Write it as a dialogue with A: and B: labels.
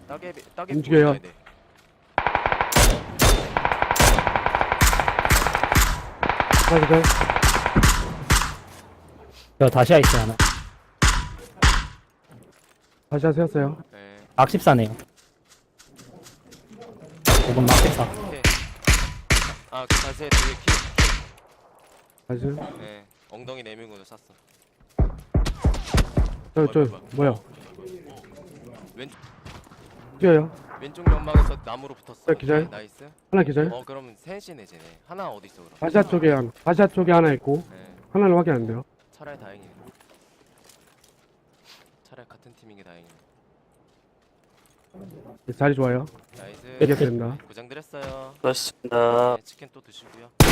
A: 따개비
B: 움직여요.
A: 보여줘야 돼.
B: 하나 기절.
C: 저 다시 아이스 하나.
B: 다시 세웠어요.
A: 네.
C: 막14네요. 5번 막14.
A: 오케이. 아, 그 자세 되게
B: 다시.
A: 네. 엉덩이 내밀고도 쐈어.
B: 뭐야.
A: 왼쪽
B: 뛰어요.
A: 왼쪽 연막에서 나무로 붙었어.
B: 네, 기절.
A: 오케이, 나이스.
B: 하나 기절.
A: 그럼 셋이네 쟤네. 하나 어디 있어 그럼?
B: 바샤 쪽에 하나 있고,
A: 네.
B: 하나는 확인 안 돼요.
A: 차라리 다행이네. 차라리 같은 팀인 게 다행이네.
B: 자리 좋아요.
A: 나이스.
B: 이렇게 된다.
A: 고장 드렸어요.
D: 고맙습니다.
A: 네, 치킨 또 드시고요.